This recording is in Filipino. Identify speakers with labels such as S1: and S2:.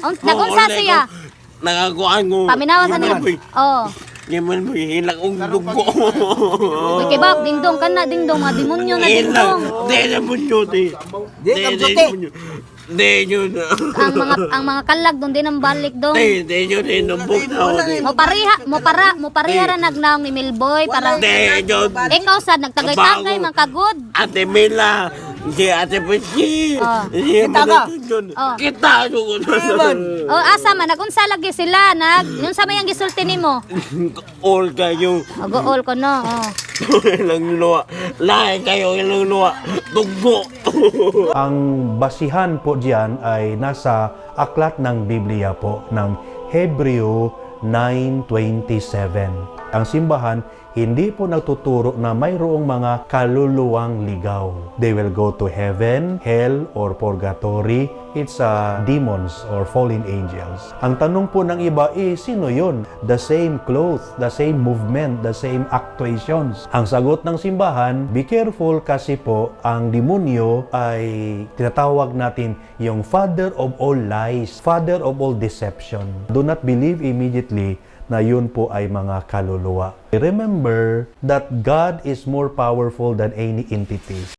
S1: Nagunsa siya.
S2: Nakakuan ko.
S1: Paminawa sa niya. Oh.
S2: Yaman mo, hilak ang dugo.
S1: Uy, kay Bab, dingdong ka na, dingdong. Mga demonyo na dingdong.
S2: Di na mo yun, di. Di yun.
S1: Ang mga kalag doon din ang balik doon.
S2: Di yun, inumbok na ako.
S1: Mo pariha ra nagnaong ni Milboy para
S2: Di yun.
S1: ikaw sad nagtagay-tagay man kagod.
S2: Ate Mila, si Ate Pichi.
S3: Kita ka.
S2: Kita ko.
S1: Oh, asa man nagunsa lagi sila yung sa mayang gisulti nimo.
S2: All kayo.
S1: Mag-all ko no. Oh.
S2: Ilang luwa. Lahat kayo ilang luwa. Dugo.
S4: Ang basihan po diyan ay nasa aklat ng Biblia po ng Hebreo 9:27. Ang simbahan hindi po nagtuturo na mayroong mga kaluluwang ligaw. They will go to heaven, hell, or purgatory. It's demons or fallen angels. Ang tanong po ng iba, sino yun? The same clothes, the same movement, the same actuations. Ang sagot ng simbahan, be careful kasi po ang demonyo ay tinatawag natin yung father of all lies, father of all deception. Do not believe immediately na yun po ay mga kaluluwa. Remember that God is more powerful than any entity.